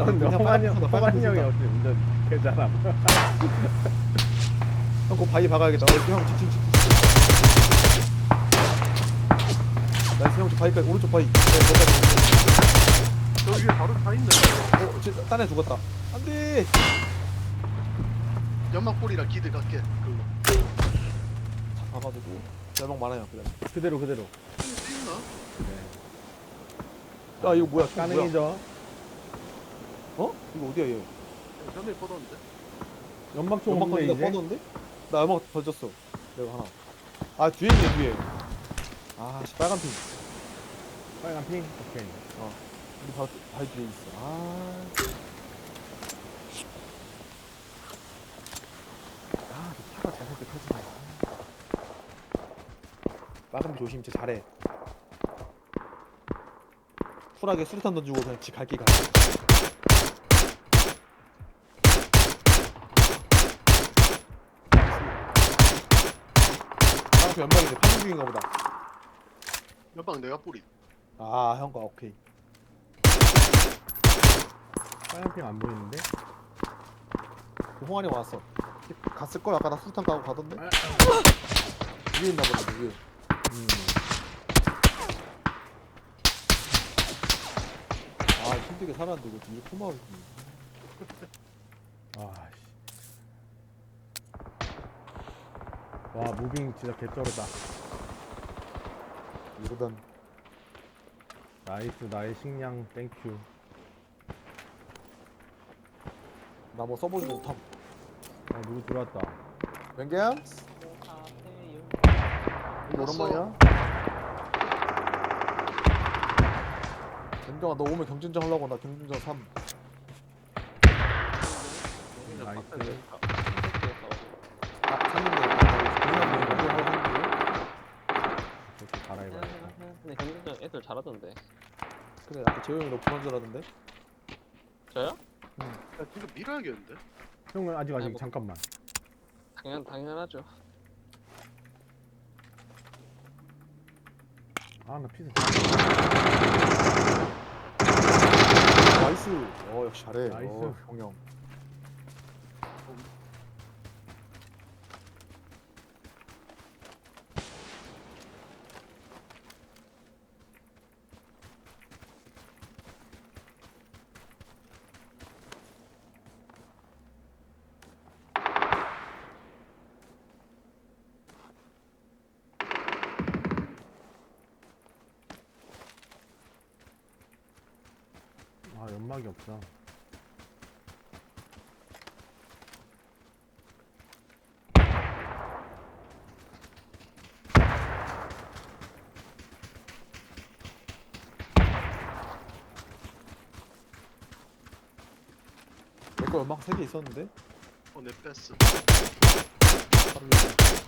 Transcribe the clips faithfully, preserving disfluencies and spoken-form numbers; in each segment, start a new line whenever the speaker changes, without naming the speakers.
근데
그냥
허만이 형,
빨간
허만이 형이
빨간
역시 운전 개잘함.
형 그거 바위 박아야겠다. 어, 형 지친 지친. 나이스 형 저 바위까지 오른쪽 바위. 네, 거기까지.
저 위에 바로 다 있네.
어, 쟤 딴애 죽었다. 안돼.
연막볼이라 기드 갈게. 그거.
잡아가지고 열망 많아요. 그냥.
그대로 그대로.
있나?
야 이거 뭐야? 총 뭐야?
가능이죠.
어? 이거 어디야 얘?
전에 뻗었는데.
연막총
연막
없는데
던지다
이제.
뻗었는데? 나 연막 던졌어. 내가 하나. 아 뒤에 있네 뒤에. 아 씨, 빨간 핀.
빨간 핑. 오케이.
어. 우리 바로 바위 뒤에 있어. 아. 아, 너 차가 잘못돼 터지네. 빨간 핀 조심, 쟤 잘해. 쿨하게 수류탄 던지고 그냥 지 갈길 가. 빨간 핀 연막인데 판정 중인가 보다.
연막 내가 뿌리.
아, 형과 오케이.
빨간 핑 안 보이는데.
그 홍환이 왔어. 갔을 걸 아까 나 수류탄 까고 가던데.
아,
위에 있나 보다 위에.
음.
아 힘들게 살았는데 이거 뒤에 포마를.
아 씨. 와 무빙 진짜 개쩔었다.
이러던
나이스 나의 식량 땡큐.
나 뭐 써보지 못함.
어 누구 들어왔다.
웬게임? 이거 오랜만이야? 웬경아 너 오면 경진전 하려고 나 경진전 삼.
나이스.
아 샀는데 그냥 경진전 하고
그렇게 갈아입어야겠다.
근데 경기장 애들 잘하던데.
그래 아까 재영이 너 불안 줄 알았는데.
저요?
야 지금 밀어야겠는데.
형은 아직 아직
아이고.
잠깐만.
당연 당연하죠.
아 나 피스.
나이스. 어 역시 잘해.
나이스.
어, 형형.
아 연막이 없어.
내거 연막 세 개 있었는데.
어내 뺐어.
바로 이거.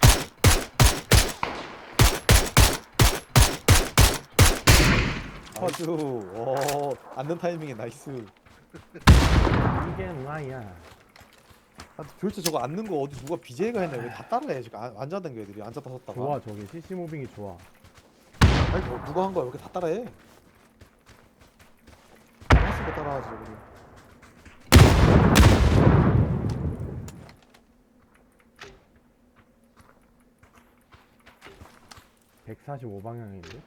나이스. 오 앉는 타이밍에 나이스.
이게 뭐야?
아, 도대체 저거 앉는 거 어디 누가 비제이가 했나? 왜 다 따라해 지금 안- 앉아든 거 애들이 앉았다 섰다가.
좋아 저게 씨씨 무빙이 좋아.
아니 뭐 누가 한 거야? 왜 이렇게 다 따라해? 하나씩도 따라하지 우리.
백사십오 방향인데?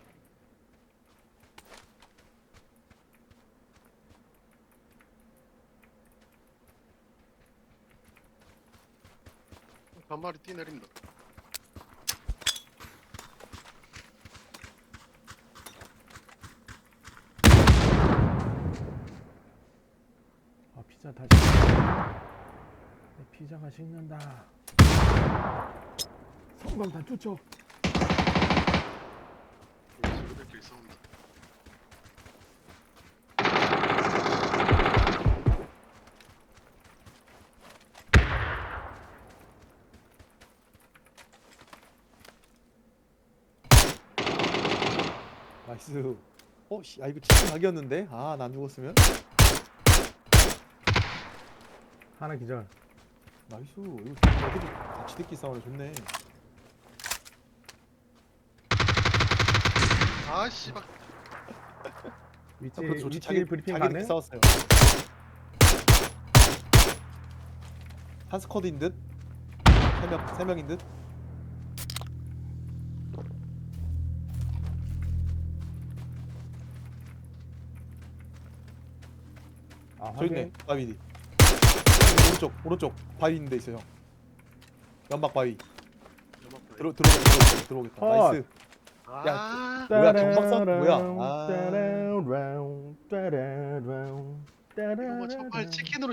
한 마리 뛰 내린다.
아 피자 다시. 내 피자가 식는다. 성광탄 쫓죠.
친구들끼리 싸운다.
나이스. 어, 씨, 아 이거 치킨 각이었는데. 아, 나 안 죽었으면.
하나 기절.
나이스. 이거 애들이 같이 듣기 싸우네 좋네.
아 씨발.
위치
형, 그것도 좋지.
위치
자기
브리핑
자기들끼리
가능?
싸웠어요. 한 스쿼드인 듯? 세 명, 세 명인 듯?
아
저 있네.
확인.
바위 뒤. 오른쪽, 오른쪽 바위 있는 데 있어 형. 연막 바위.
연막
들어 들어오겠다. 들어오겠다.
컷.
나이스.
아,
뭐야, 경박선 뭐야? 아.
따라라운, 따라라운, 따라라운,
이거 뭐
따라라운.
정말 치킨으로